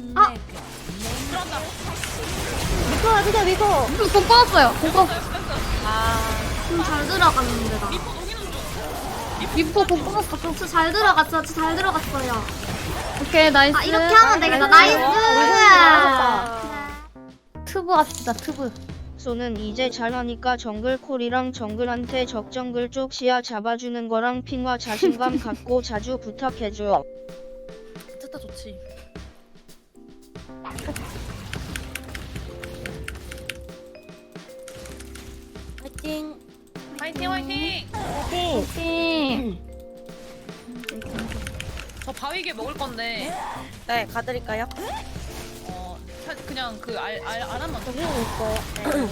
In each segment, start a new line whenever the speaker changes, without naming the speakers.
아!
들어간다.
미코 와주세요, 미코.
공 빠졌어요. 공 빠졌어.
잘 들어갔는데 나.
미포 녹이는 중.
미포 공 빠졌어.
저 잘 들어갔어. 저 잘 들어갔어요.
오케이, 나이스.
아 이렇게 하면 되겠다. 나이스.
트브 합시다, 트브.
소는 이제 잘하니까 정글콜이랑 정글한테 적정글 쪽 시야 잡아주는 거랑 핑화 자신감 갖고 자주 부탁해줘.
됐다 좋지.
파이팅.
화이팅 화이팅.
파이팅.
팀.
저 바위게 먹을 건데
네, 가드릴까요?
그냥 그 알 한번 더.
있어요.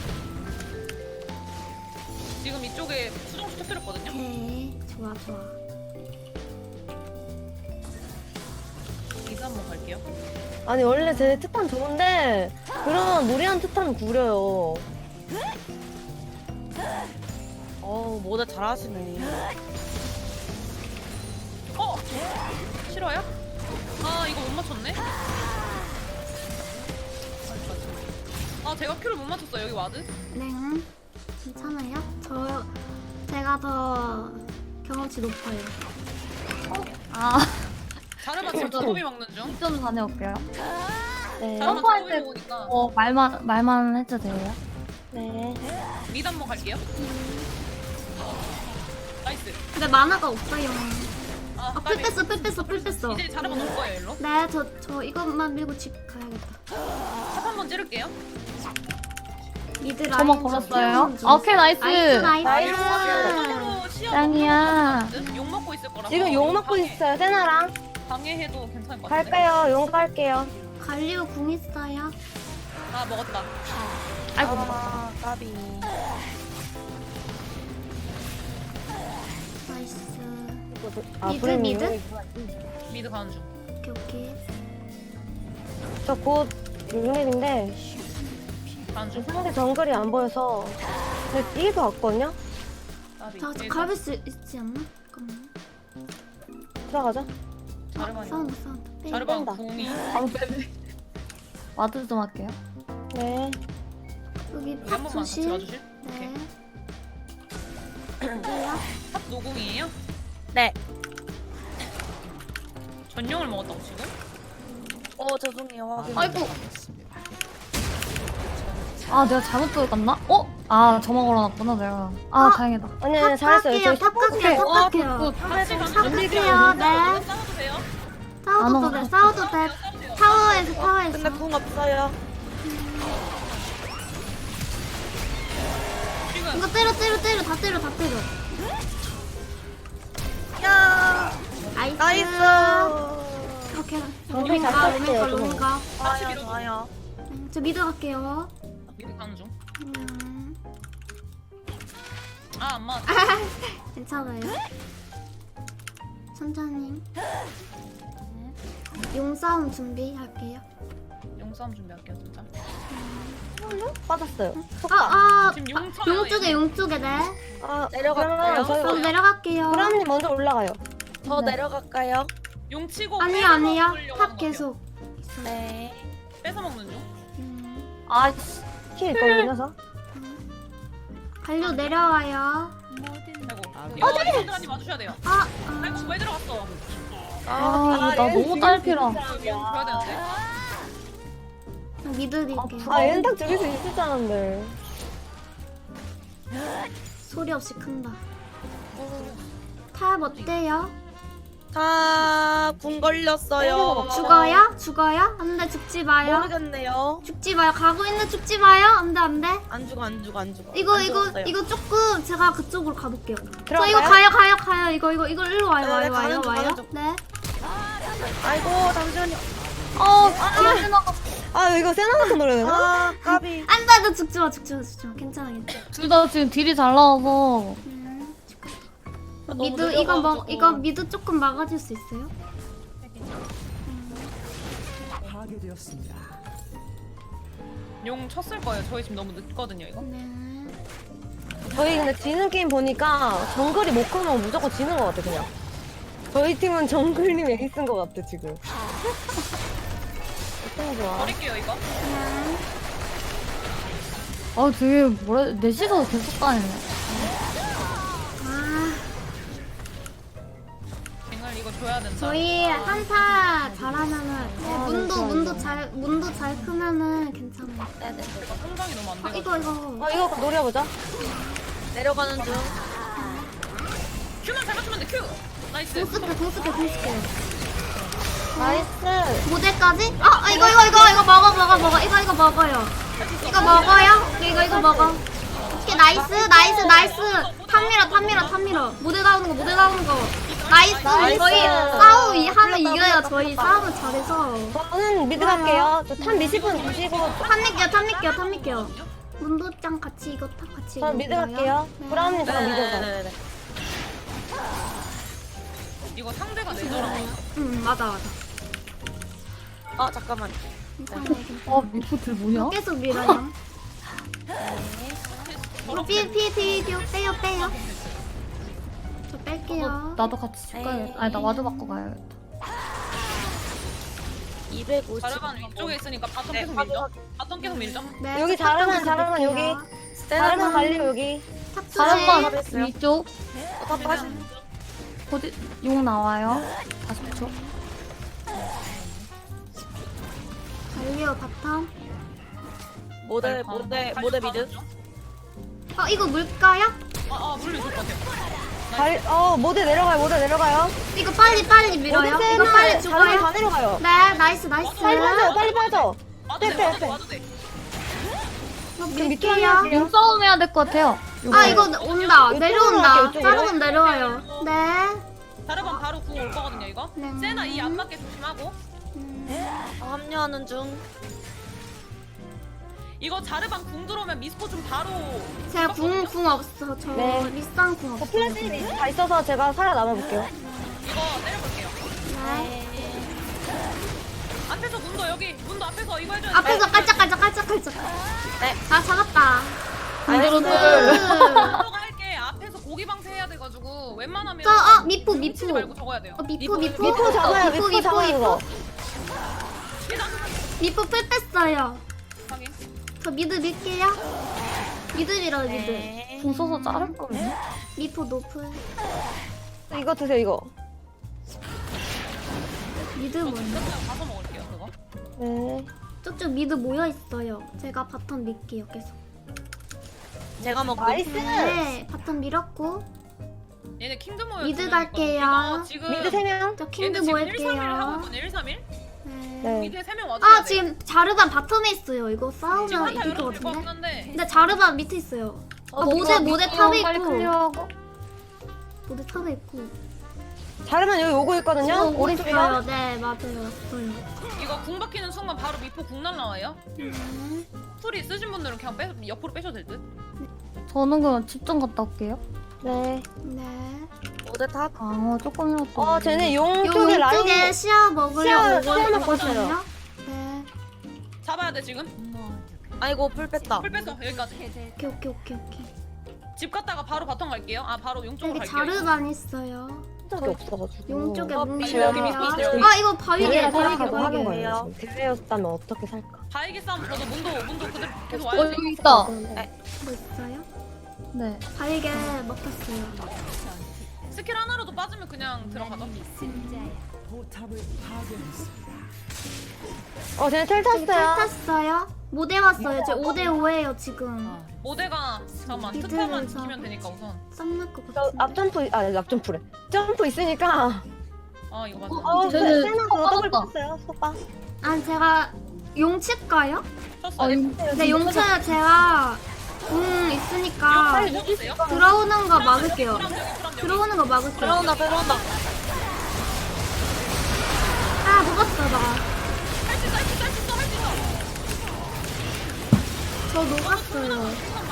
지금 이쪽에 수정수 터뜨렸거든요.
오케이. 좋아 좋아.
이거 한번 갈게요.
아니, 원래 제 특판 좋은데, 그런 무리한 특판은 구려요. 뭐다 잘하시네.
싫어요? 아 이거 못 맞췄네. 제가 큐를 못 맞췄어. 여기 와드.
네. 괜찮아요? 제가 더 경험치 높아요.
아,
자르마 지금 조금이 먹는 중.
좀 다녀올게요.
네.
자르마
펌프할
조금이
때-
먹으니까
말만 해도 돼요?
네.
미드 한번 갈게요. 나이스.
근데 만화가 없어요. 풀
까비.
뺐어, 풀 뺐어, 풀 뺐어.
이제 자르마 놓을 거예요, 일로.
네, 저 이것만 밀고 집 가야겠다.
탑 한번 찌를게요.
미드 라인.
저만 걸었어요? 오케이, 나이스.
나이스.
서로 시야
짱이야.
너무 욕 먹고 있을 거라서.
지금 욕 먹고 있어요, 세나랑.
방해해도 괜찮을 것 같은데.
갈까요? 용 갈게요.
갈리오 궁 있어요.
먹었다.
아이고,
까비.
나이스.
아,
미드, 미드?
미드 가는 중.
오케이, 오케이.
저곧 6렙인데,
가는 중.
상대 정글이 안 보여서, 제가 이길 것 같거든요?
까비.
저
일단
갈릴 수 있지 않나? 잠깐만요.
들어가자.
자르반이.
사운드. 빼.
자르반
뺀다.
궁이.
와드 좀 할게요.
네.
여기
여기 한
팝
번만 같이
조심.
가주실?
네.
탑 노궁이에요?
네.
전용을 먹었다고 지금?
죄송해요.
아이고. 아, 내가 잘못 들어갔나? 아, 저만 걸어놨구나, 내가. 아, 다행이다.
아니,
탑
잘했어요.
갈게요. 탑 갈게요. 탑 갈게요.
같이 가는
탑
중.
갈게요. 네.
싸워도 돼요?
싸워도 돼. 싸워도 돼. 타워에서.
궁 없어요.
지금
이거 때려. 다 때려.
야,
나이스. 오케이.
정글 잘
로밍가.
쳤어요,
로밍가.
같이 밀어줘.
좋아요.
저 미드 갈게요.
미드 가는 중.
음,
안 맞.
괜찮아요. 천천히. 용 싸움 준비할게요.
용싸움 준비할게요 진짜.
빠졌어요.
지금 용 쳐요.
용 쪽에 네.
내려갈까요?
저도 내려갈게요.
브라운님 먼저 올라가요.
저
내려갈까요?
용 치고.
아니요.
뺏어 먹으려고
탑
하는 거예요.
계속.
네.
뺏어 먹는 중.
아,
킬 걸려서.
갈려 내려와요.
아이고. 이거 선생님 와주셔야 돼요. 아이고 왜 들어갔어?
나 너무 딸피라.
여기 용 줘야 되는데.
미드 드릴게요.
얘는 딱 죽일 수 있을 줄 알았는데.
소리 없이 큰다. 탑 어때요?
궁 걸렸어요.
죽어요? 안돼 죽지 마요.
모르겠네요.
죽지 마요. 가고 있는 죽지 마요. 안돼.
안 죽어.
이거 조금 제가 그쪽으로 가볼게요. 저
들어갈까요?
이거 가요. 이거 일로 와요.
네, 가는 중,
와요.
가는 중.
네.
아이고 잠시만요.
이거 세나 같은 노래네.
까비.
안돼. 너 죽지 마. 괜찮아.
둘 다 지금 딜이 잘 나와서.
미드 이거 미드 조금 막아줄 수 있어요?
용 쳤을 거예요. 저희 지금 너무 늦거든요 이거.
네.
저희 근데 지는 게임 보니까 정글이 못 크면 무조건 지는 것 같아, 그냥. 저희 팀은 정글님 에이스인 것 같아, 지금. 어떤 좋아.
버릴게요 이거.
아 되게 뭐라 넷이서 계속 다니네.
아,
뱅을 이거 줘야 된다.
저희 한타 잘하면은
아,
문도 잘 크면은 괜찮아요.
성장이 너무 안 돼.
이거
이거 노려보자.
내려가는 중.
큐만 잘 맞추면 돼. 큐. 나이스.
공스케.
나이스.
모델까지? 이거 먹어. 이거 먹어요. 이거 먹어. 오케이, 나이스. 탑 밀어. 모델 나오는 거. 나이스. 저희 하면 이겨요. 저희 싸움을 잘해서.
저는 미드 갈게요. 저탑 미실 분 주시고.
탑 밀게요. 문도짱 같이 이거 탑 같이.
전 미드
이겨요.
갈게요.
네.
브라운님 저랑 미드 가.
네네네.
이거 상대가 내더라.
응, 맞아.
잠깐만.
아 미포들 뭐냐?
계속 밀어요. 빼요. 저 뺄게요.
나도 같이 집 가야겠다. 아니 나 와드 받고 가야겠다.
250.
자르반 위쪽에 있으니까 바텀
네,
계속 밀죠. 바텀 계속 밀죠.
네,
여기 자르만 여기. 자르만 갈리오 여기.
사람만
잘했어요.
위쪽
다 빠진.
어디 용 나와요. 40초.
갈리오 바텀.
모델 미드.
이거 물까요?
물리 좋을 것 같아요.
모델 내려가요.
이거 빨리 밀어요.
모델
이거 빨리
자르만
죽어요.
다 내려가요.
네, 나이스.
빨리 빠져.
와도 돼,
빼.
와도 돼.
이거
밑으로
밀게요.
할게요.
용 싸움 해야 될 것 같아요.
이거 온다. 내려온다.
이쪽으로
자르면 내려와요. 네.
자르반 바로 궁 올 거거든요 이거.
네.
세나 이 안 맞게 조심하고.
합류하는 중.
이거 자르반 궁 들어오면 미스포 좀 바로.
제가 궁 없어. 저
네.
리쌍 궁
저
없어.
플래시 다 있어서 제가 살아남아 볼게요.
이거 내려볼게요.
네.
앞에서 문도 앞에서 이거 해줘야 돼.
앞에서 깔짝깔짝.
네.
아, 잡았다.
반대로
저거 할게. 앞에서 고기 방세 해야 돼가지고 웬만하면.
미포.
치지 말고 적어야 돼요.
미포 잡아요. 미포 잡아요 이거.
미포 풀 뺐어요.
확인.
저 미드 밀게요. 미드 밀어요, 미드.
네.
궁 써서 자를 거네.
미포 노플.
이거 드세요 이거.
미드
저
뭐냐?
그냥 가서 먹을게요 그거.
네.
쪽쪽 미드 모여 있어요. 제가 바텀 밀게요, 계속.
제가 먹고.
나이스.
네, 바텀 밀었고.
얘네 킹드 모여.
미드
두 명
갈게요.
있거든요. 이거 지금
미드 3명.
저
얘네
킹드
지금
모일게요.
131 하고 있거든요. 131.
네.
네.
미드에 3명 와줘야 돼.
지금 자르반 바텀에 있어요. 이거
지금
싸우면
한타
이길 것
열어도 될것
같은데.
같긴 한데.
근데 자르반 밑에 있어요. 모델 탑에
빨리
있고.
클리어하고.
모델 탑에 있고.
자르만 여기 오고 있거든요.
오고
오른쪽이요.
있어요. 네, 맞아요. 왔어요.
이거 궁 박히는 순간 바로 미포 궁 날라와요.
네.
풀이 쓰신 분들은 그냥 옆으로 빼셔도 될 듯.
저는 그냥 집 좀 갔다 올게요.
네.
네.
모델 탑.
조금이라도.
쟤네 용
요
쪽에 라인.
쪽에 시야 먹으려고
시야 먹고
있거든요.
있어요.
네.
잡아야 돼 지금.
아이고 풀 뺐다.
풀 뺐어 여기까지.
오케이.
집 갔다가 바로 바텀 갈게요. 바로 용 쪽으로
여기
갈게요.
자르반 있어요.
적이 없어가지고.
용 쪽에
어,
문제요.
여기 밑에
이거 바위게.
대회가
바위게.
살아가고 하는
바위게.
거예요. 지금. 대회였다면 어떻게 살까?
바이게 싸움 저도 문도 그대로 계속
어
와야지.
여기 있다.
뭐 있어요?
네.
바위게 먹혔어요.
스킬 하나로도 빠지면 그냥 들어가죠.
쟤네 텔
저기
탔어요.
탔어요. 모델 왔어요. 저 5대5예요 지금.
모대가 잠깐만
미드를
특파만
저-
지키면 되니까 우선.
썸날 것
저
같은데.
앞점프래. 점프 있으니까.
이거 맞아.
쟤는
세나 그거 더블
떴다.
떴어요. 소빠.
제가 용칠까요?
쳤어.
네, 용칠 제가 있으니까
빨리
먹었어요?
들어오는 거 막을게요.
그럼
들어오는 거 막을게요.
들어온다.
녹았어 나.
할수 있어.
저 녹았어요.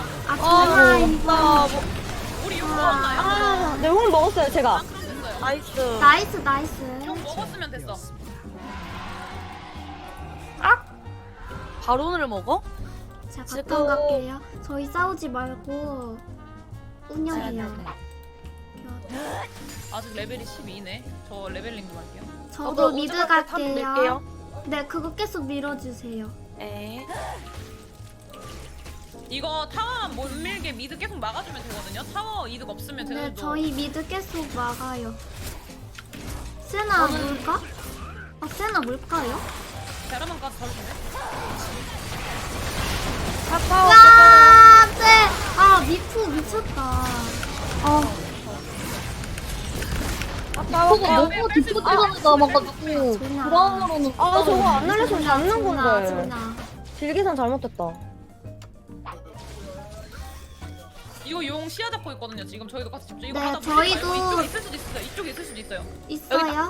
정말.
우리 용 먹었나요?
네, 홈 먹었어요, 제가.
그럼 됐어요.
나이스.
나이스.
용 먹었으면 됐어.
바론을 먹어?
제가
지금-
바텀 갈게요. 저희 싸우지 말고 운영해요.
아직 레벨이 12네. 저 레벨링 좀 할게요.
저도 미드 갈게요. 네, 그거 계속 밀어주세요.
네.
이거 타워만 못 밀게 미드 계속 막아주면 되거든요. 타워 이득 없으면
네,
되는
저희 미드 계속 막아요. 세나 물까? 세나 물까요?
베라만까지 잡으시네.
카카오.
야, 네. 미프 미쳤다.
카카오.
그거 너무 뒷부분에 남아가지고 브라운으로는
저거 안 날렸으면 잡는
조나,
건데.
조나.
딜계산 잘못됐다.
이거 용 시야 잡고 있거든요. 지금 저희도 같이 집중. 이거
네,
하다 보니까
저희도-
이쪽에 있을 수도 있어요. 이쪽에 있을 수도 있어요.
있어요?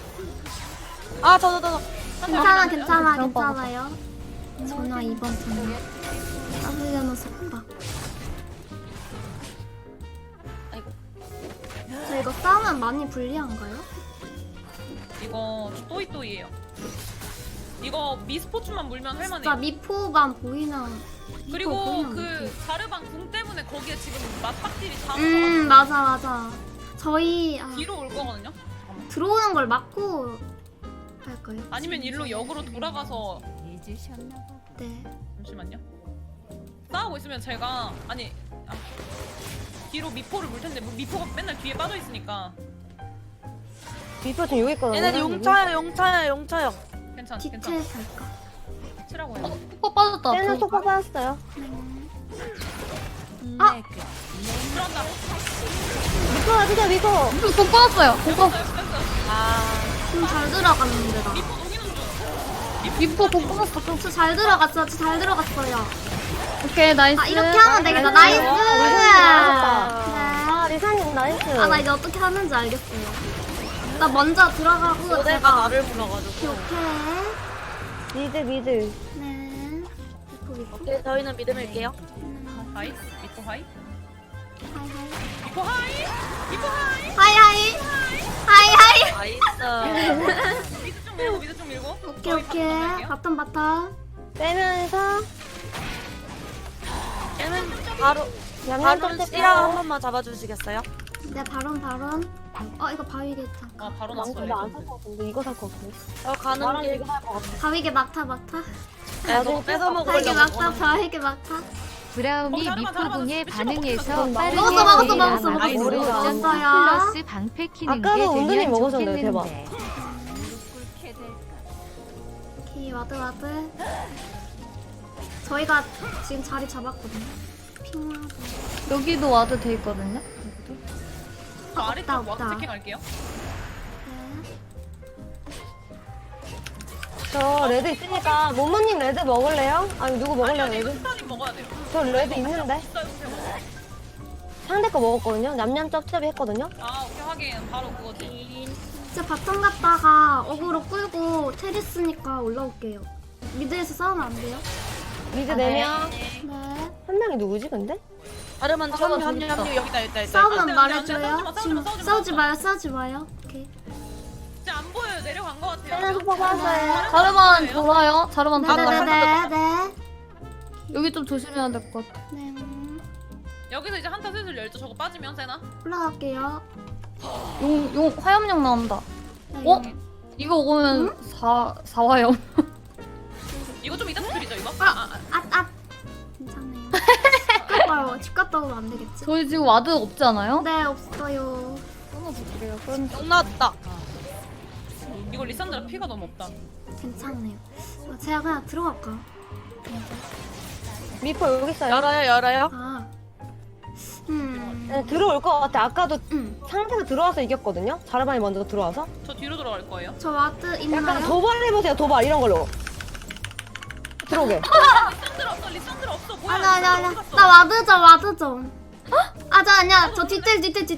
저.
괜찮아,
네.
괜찮아요. 전화 2번 전화. 따블려놓았다. 저 이거 싸우면 많이 불리한가요?
이거 또이또이예요. 이거 미스포츠만 물면
진짜
할만해요.
미포만 보이는.
그리고
보이는
그 자르방 궁 때문에 거기에 지금 맞박딜이 다
맞아. 저희
뒤로 올 거거든요.
들어오는 걸 막고 할까요?
아니면 일로 역으로 돌아가서
네.
잠시만요. 싸우고 있으면 제가 뒤로 미포를 물 텐데 미포가 맨날 뒤에 빠져 있으니까
미포 지금 여기 있거든요.
얘네 용차요.
괜찮.
디테일 살까?
치라고 해요.
푹 빠졌다.
쟤는 속박 받았어요.
들어간다.
미포 아시죠, 미포?
푹 빠졌어요. 그거
좀 잘 들어갔는데 나.
미포 녹이는 중.
미포 푹 빠졌어.
저 잘 들어갔어요.
오케이 나이스.
이렇게 하면 되겠다. 나이스. 네.
리사님 나이스.
나 이제 어떻게 하는지 알겠어요. 나 먼저 들어가고
모델가
제가
나를 불러가지고.
오케이.
미드.
네. 미포.
오케이, 저희는 믿음일게요.
하이. 미포 하이.
하이하이.
미포 하이. 미포 하이.
하이하이.
나이스.
미드 좀 밀고.
오케이. 바텀.
빼면서
얘는 바로
얌얌
바로
좀
씨랑 한 번만 잡아주시겠어요?
네, 바론. 이거 바위겠다.
바로
망치
났어요.
나안 살 것 같은데 이거 살 것 같은데.
가는
나랑
길.
이거 살 것 같아.
바위게 막타.
너무 뺏어
바위게
먹으려고.
바위게 막타.
브라움이 미포궁에 반응해서
먹었어.
빠르게
먹었어.
제일
먹었어.
남았고
먹었어.
플러스 방패 키는 게
아까도 은근히
되면
먹었었는데,
좋겠는데.
오케이, 와드. 저희가 지금 자리 잡았거든요. 핑하고.
여기도 와드 돼 있거든요.
저 아래쪽
없다.
와서 체킹할게요.
네.
저 레드 있으니까 모모님 레드 먹을래요? 아니 누구 먹을래요
아니, 이거
레드?
스타님 먹어야 돼요.
저 레드 있는데
비싸요, 비싸요.
상대 거 먹었거든요. 냠냠 쩝쩝이 했거든요.
오케이 하긴 바로 그거지.
이제 바텀 갔다가 어그로 끌고 테리스니까 올라올게요. 미드에서 싸우면 안 돼요?
미드
아,
4명.
네.
한 명이 누구지 근데?
아르만
저거
합류
재밌다.
여기다.
싸우면
안 돼,
말해줘요.
싸우지 마,
지금
싸우지 마.
싸우지 마요. 오케이.
이제 안 보여요. 내려간 것 같아요.
쟤는 속박 받았어요.
자르반 돌아요. 자르반 돌아.
네네네.
여기 좀 조심해야 될 것 같아.
네.
여기서 이제 한타 슬슬 열죠. 저거 빠지면 세나?
올라갈게요.
용 화염용 나온다.
네,
어? 이거 오면 4화염.
이거 좀 이따 스킬이죠 이거?
괜찮아요. 집 갔다 와요. 집 갔다 오면 안 되겠지?
저희 지금 와드 없지 않아요?
네, 없어요.
끊어볼게요.
용 나왔다.
이거 리산드라 피가 너무 없다.
괜찮네요. 제가 그냥 들어갈까?
미포 여기 있어요.
열어요.
네, 들어올 것 같아. 아까도
음.
상대가 들어와서 이겼거든요. 자르반이 먼저 들어와서.
저 뒤로 돌아갈 거예요.
저 와드
약간
있나요?
도발 해보세요. 도발 이런 걸로. 들어오게.
리산드라 없어. 뭐야?
아니야. 나 와드 좀. 아니야. 저 디테일.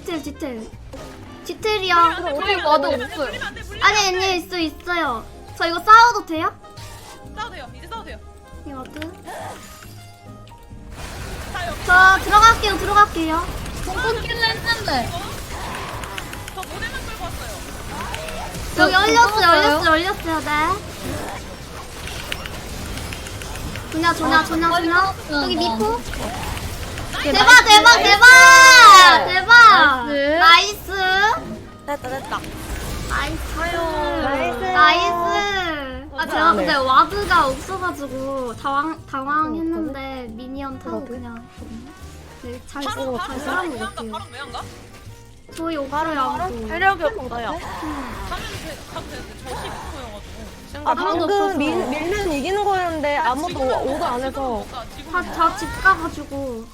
디테일이야.
우리 와드 없어요.
아니, 있어요. 저 이거 싸워도 돼요?
싸워도 돼요. 이제 싸워도 돼요.
이 와드.
자 여기
저 들어갈게요.
끊기는 했는데.
저 모델만 끌고 왔어요.
여기 열렸어요. 네. 조냐. 여기 미포. 대박.
나이스.
나이스.
됐다.
나이스.
나이스.
나이스. 제가
네.
근데 와드가 없어가지고 당황했는데 미니언 타고 그냥 네, 잘
바로
싸운 것
왜 안 가?
같아요.
바로 왜안 가?
저희 오빠를 안
체력이 없어요.
가면 가도 되는데 저 15%여가지고.
아 방금 밀면 이기는 거였는데 아무도 오도 안 해서
다집 가가지고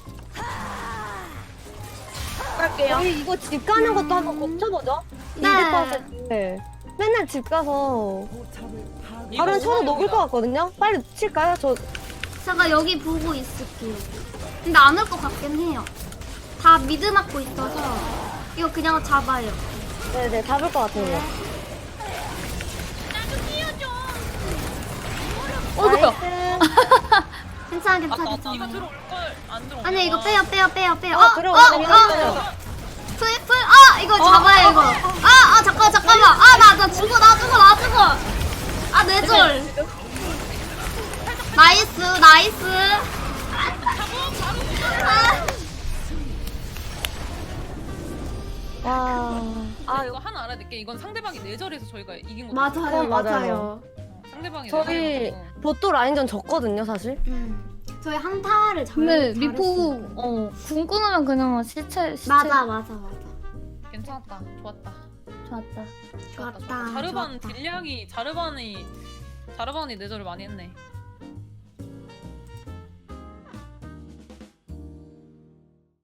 갈게요.
저희 이거 집 가는 것도 한번 고쳐보죠.
네.
200%. 맨날 집 가서 바로 쳐도 녹을 것 같거든요. 빨리 칠까요? 저
제가 여기 보고 있을게요. 근데 안 올 것 같긴 해요. 다 미드 맞고 있어서 이거 그냥 잡아요.
네네 잡을 것 같아요.
뭐야?
괜찮아
이거
괜찮아.
들어올 걸안 들어올.
아니 이거 빼요.
들어오네.
풀 이거 잡아요 이거. 잠깐만. 나 죽어. 아 뇌절. 나이스.
아 이거 하나 알아야 될게. 이건 상대방이 내절해서 저희가 이긴 거.
맞아요.
상대방이
저희
내절해서.
보또 라인전 졌거든요 사실.
저희 한타를
근데 미포 궁 끊으면 그냥 시체.
맞아.
괜찮았다. 좋았다.
좋았다.
좋았다.
자르반
좋았다.
딜량이 자르반이 내절을 많이 했네.